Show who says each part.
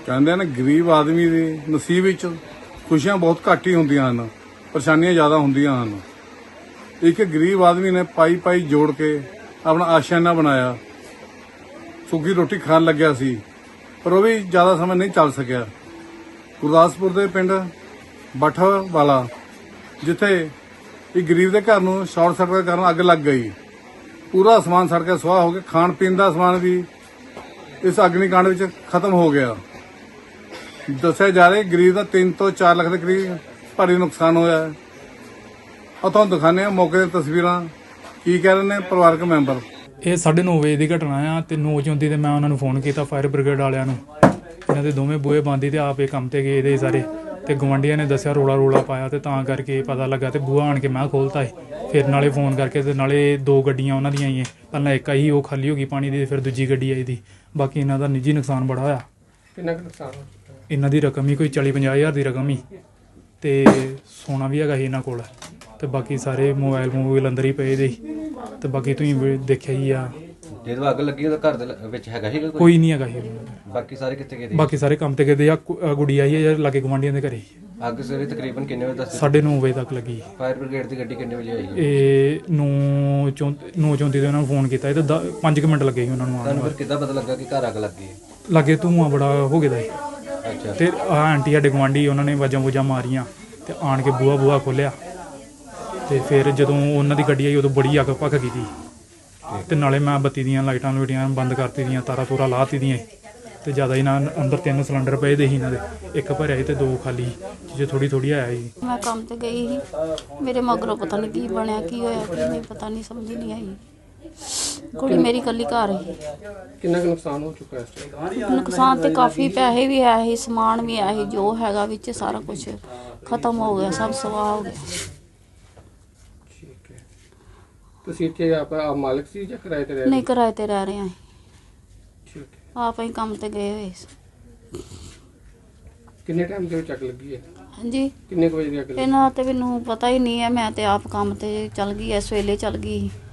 Speaker 1: ਕਹਿੰਦੇ ਨੇ ਗਰੀਬ ਆਦਮੀ ਦੇ ਨਸੀਬ ਵਿੱਚ ਖੁਸ਼ੀਆਂ ਬਹੁਤ ਘੱਟ ਹੀ ਹੁੰਦੀਆਂ ਹਨ, ਪਰੇਸ਼ਾਨੀਆਂ ਜ਼ਿਆਦਾ ਹੁੰਦੀਆਂ ਹਨ। ਇੱਕ ਗਰੀਬ ਆਦਮੀ ਨੇ ਪਾਈ ਜੋੜ ਕੇ ਆਪਣਾ ਆਸ਼ਿਆਨਾ ਬਣਾਇਆ, ਸੁੱਕੀ ਰੋਟੀ ਖਾਣ ਲੱਗਿਆ ਸੀ, ਪਰ ਉਹ ਵੀ ਜ਼ਿਆਦਾ ਸਮਾਂ ਨਹੀਂ ਚੱਲ ਸਕਿਆ। ਗੁਰਦਾਸਪੁਰ ਦੇ ਪਿੰਡ ਬੱਠ ਵਾਲਾ, ਜਿੱਥੇ ਇੱਕ ਗਰੀਬ ਦੇ ਘਰ ਨੂੰ ਸ਼ਾਰਟ ਸਰਕਟ ਕਾਰਨ ਅੱਗ ਲੱਗ ਗਈ, ਪੂਰਾ ਸਮਾਨ ਸੜ ਕੇ ਸੁਆਹ ਹੋ ਗਿਆ। ਖਾਣ ਪੀਣ ਦਾ ਸਮਾਨ ਵੀ ਇਸ ਅਗਨੀਕਾਂਡ ਵਿੱਚ ਖਤਮ ਹੋ ਗਿਆ। ਦੱਸਿਆ ਜਾ ਰਿਹਾ ਗਰੀਬ ਦਾ 3 ਤੋਂ 4 ਲੱਖ ਦੇ ਕਰੀਬ ਭਾਰੀ ਨੁਕਸਾਨ ਹੋਇਆ ਹੈ। ਉਹ ਤੁਹਾਨੂੰ ਦਿਖਾਉਂਦੇ ਹਾਂ ਮੌਕੇ ਦੀਆਂ ਤਸਵੀਰਾਂ, ਕੀ ਕਹਿ ਰਹੇ ਨੇ ਪਰਿਵਾਰਕ ਮੈਂਬਰ।
Speaker 2: ਇਹ 9:30 ਵਜੇ ਦੀ ਘਟਨਾ ਆ ਤੇ 9:34 ਤੇ ਮੈਂ ਉਹਨਾਂ ਨੂੰ ਫੋਨ ਕੀਤਾ ਫਾਇਰ ਬ੍ਰਿਗੇਡ ਵਾਲਿਆਂ ਨੂੰ। ਇਹਨਾਂ ਦੇ ਦੋਵੇਂ ਬੂਹੇ ਬੰਦ ਸੀ ਤੇ ਆਪ ਇਹ ਕੰਮ ਤੇ ਗਏ ਦੇ ਸਾਰੇ, ਤੇ ਗਵਾਂਢੀਆਂ ਨੇ ਦੱਸਿਆ ਰੋਲਾ ਪਾਇਆ ਤੇ ਤਾਂ ਕਰਕੇ ਪਤਾ ਲੱਗਾ ਤੇ ਬੂਹਾ ਆਣ ਕੇ ਮੈਂ ਖੋਲਤਾ ਸੀ। ਫਿਰ ਨਾਲੇ ਫੋਨ ਕਰਕੇ ਤੇ ਨਾਲੇ 2 ਗੱਡੀਆਂ ਉਹਨਾਂ ਦੀਆਂ ਹੀ, ਪਹਿਲਾਂ ਇੱਕ ਆਈ ਉਹ ਖਾਲੀ ਹੋ ਗਈ ਪਾਣੀ ਦੀ, ਫਿਰ ਦੂਜੀ ਗੱਡੀ ਆਈ ਦੀ। ਬਾਕੀ ਇਹਨਾਂ ਦਾ ਨਿੱਜੀ ਨੁਕਸਾਨ ਬੜਾ ਹੋਇਆ।
Speaker 3: ਕਿੰਨਾ ਕੁ ਨੁਕਸਾਨ ਹੋ ਚੁੱਕਾ?
Speaker 2: ਇਹਨਾਂ ਦੀ ਰਕਮ ਹੀ ਕੋਈ 40-50 ਹਜ਼ਾਰ ਦੀ ਰਕਮ ਹੀ, ਤੇ ਸੋਨਾ ਵੀ ਹੈਗਾ ਸੀ ਇਹਨਾਂ ਕੋਲ, ਤੇ ਬਾਕੀ ਸਾਰੇ ਮੋਬਾਈਲ ਅੰਦਰ ਹੀ ਪਏ ਦੇ ਸੀ। ਤੇ ਬਾਕੀ ਤੁਸੀਂ ਦੇਖਿਆ ਹੀ ਆ,
Speaker 4: ਜਦੋਂ ਅੱਗ ਲੱਗੀ ਉਹਦਾ ਘਰ ਦੇ ਵਿੱਚ ਹੈਗਾ ਸੀ
Speaker 2: ਕੋਈ ਨਹੀਂ ਹੈਗਾ ਸੀ।
Speaker 4: ਬਾਕੀ ਸਾਰੇ ਕਿੱਥੇ ਗਏ?
Speaker 2: ਬਾਕੀ ਸਾਰੇ ਕੰਮ ਤੇ ਗਏ ਆ। ਗੁੜੀ ਆਈ ਹੈ ਯਾਰ ਲਾਗੇ ਗਵਾਂਢੀਆਂ ਦੇ ਘਰੇ।
Speaker 4: ਅੱਗ ਸਵੇਰੇ ਤਕਰੀਬਨ ਕਿੰਨੇ ਵਜੇ ਦੱਸ?
Speaker 2: 9:30 ਵਜੇ ਤੱਕ ਲੱਗੀ।
Speaker 4: ਫਾਇਰ ਬ੍ਰਿਗੇਡ ਦੀ ਗੱਡੀ ਕਿੰਨੇ ਵਜੇ ਆਈ?
Speaker 2: ਇਹ 9:34 ਤੇ ਉਹਨਾਂ ਨੂੰ ਫੋਨ ਕੀਤਾ ਤੇ 5 ਮਿੰਟ ਲੱਗੇ ਸੀ ਉਹਨਾਂ ਨੂੰ ਆਉਣ
Speaker 4: ਤੁਹਾਨੂੰ ਫਿਰ
Speaker 2: ਨੂੰ।
Speaker 4: ਕਿੱਦਾਂ ਪਤਾ ਲੱਗਾ ਕਿ ਘਰ ਅੱਗ ਲੱਗੀ ਹੈ?
Speaker 2: ਲਾਗੇ ਧੂੰਆਂ ਬੜਾ ਹੋ ਗਿਆ ਦਾ ਸੀ।
Speaker 4: ਅੱਛਾ।
Speaker 2: ਤੇ ਆਂਟੀ ਸਾਡੇ ਗਵਾਂਢੀ ਉਹਨਾਂ ਨੇ ਵਾਜਾਂ ਮਾਰੀਆਂ ਤੇ ਆਣ ਕੇ ਬੂਹਾ ਖੋਲਿਆ, ਤੇ ਫਿਰ ਜਦੋਂ ਉਹਨਾਂ ਦੀ ਗੱਡੀ ਆਈ ਉਦੋਂ ਬੜੀ ਅੱਗ ਭੱਖ ਗਈ ਸੀ। ਤੇ ਨਾਲੇ ਮੈਂ ਬੱਤੀ ਦੀਆਂ ਲਾਈਟਾਂ ਬੰਦ ਕਰਤੀ ਦੀਆਂ, ਤਾਰਾਂ ਤੂਰਾਂ ਲਾਤੀ ਦੀਆਂ। ਤੇ ਜ਼ਿਆਦਾ ਇਹਨਾਂ ਅੰਦਰ 3 ਸਿਲੰਡਰ ਪਏ ਦੇ ਸੀ ਇਹਨਾਂ ਦੇ, ਇੱਕ ਭਰਿਆ ਸੀ ਤੇ 2 ਖਾਲੀ, ਜੇ ਥੋੜੀ ਆਇਆ ਸੀ।
Speaker 5: ਮੈਂ ਕੰਮ ਤੇ ਗਈ ਸੀ, ਮੇਰੇ ਮਗਰੋਂ ਪਤਾ ਨਹੀਂ ਕੀ ਬਣਿਆ, ਕੀ ਹੋਇਆ, ਕੀ ਨਹੀਂ ਪਤਾ ਨਹੀਂ, ਸਮਝ ਨਹੀਂ ਆਈ। ਕੁੜੀ ਮੇਰੀ ਇਕੱਲੀ ਘਰ ਸੀ।
Speaker 3: ਕਿੰਨਾ ਕੁ ਨੁਕਸਾਨ ਹੋ ਚੁੱਕਾ ਇਸ ਟਾਈਮ?
Speaker 5: ਨੁਕਸਾਨ ਤੇ ਕਾਫੀ, ਪੈਸੇ ਵੀ ਆਏ ਸੀ, ਸਮਾਨ ਵੀ ਆਇਆ ਸੀ, ਜੋ ਹੈਗਾ ਵਿੱਚ ਸਾਰਾ ਕੁਝ ਖਤਮ ਹੋ ਗਿਆ, ਸਭ ਸਵਾਹ ਹੋ ਗਿਆ।
Speaker 3: ਠੀਕ ਹੈ। ਤੁਸੀਂ ਇੱਥੇ ਆਪ ਮਾਲਕ ਸੀ ਜਾਂ ਕਿਰਾਏ ਤੇ ਰਹਿ ਰਹੇ?
Speaker 5: ਨਹੀਂ, ਕਿਰਾਏ ਤੇ ਰਹਿ ਰਹੇ ਹਾਂ।
Speaker 3: ਠੀਕ ਹੈ।
Speaker 5: ਆਪ ਹੀ ਕੰਮ ਤੇ ਗਏ ਹੋਏ ਸੀ।
Speaker 3: ਕਿੰਨੇ ਟਾਈਮ ਦੇ ਵਿੱਚ ਅੱਗ ਲੱਗੀ ਹੈ?
Speaker 5: ਹਾਂਜੀ,
Speaker 3: ਕਿੰਨੇ ਕੁ ਵਜੇ ਦੀ ਅੱਗ ਲੱਗੀ?
Speaker 5: ਇਹਨਾਂ ਤੇ ਮੈਨੂੰ ਪਤਾ ਹੀ ਨਹੀਂ ਹੈ। ਮੈਂ ਤੇ ਆਪ ਕੰਮ ਤੇ ਚਲ ਗਈ, ਇਸ ਵੇਲੇ ਚਲ ਗਈ।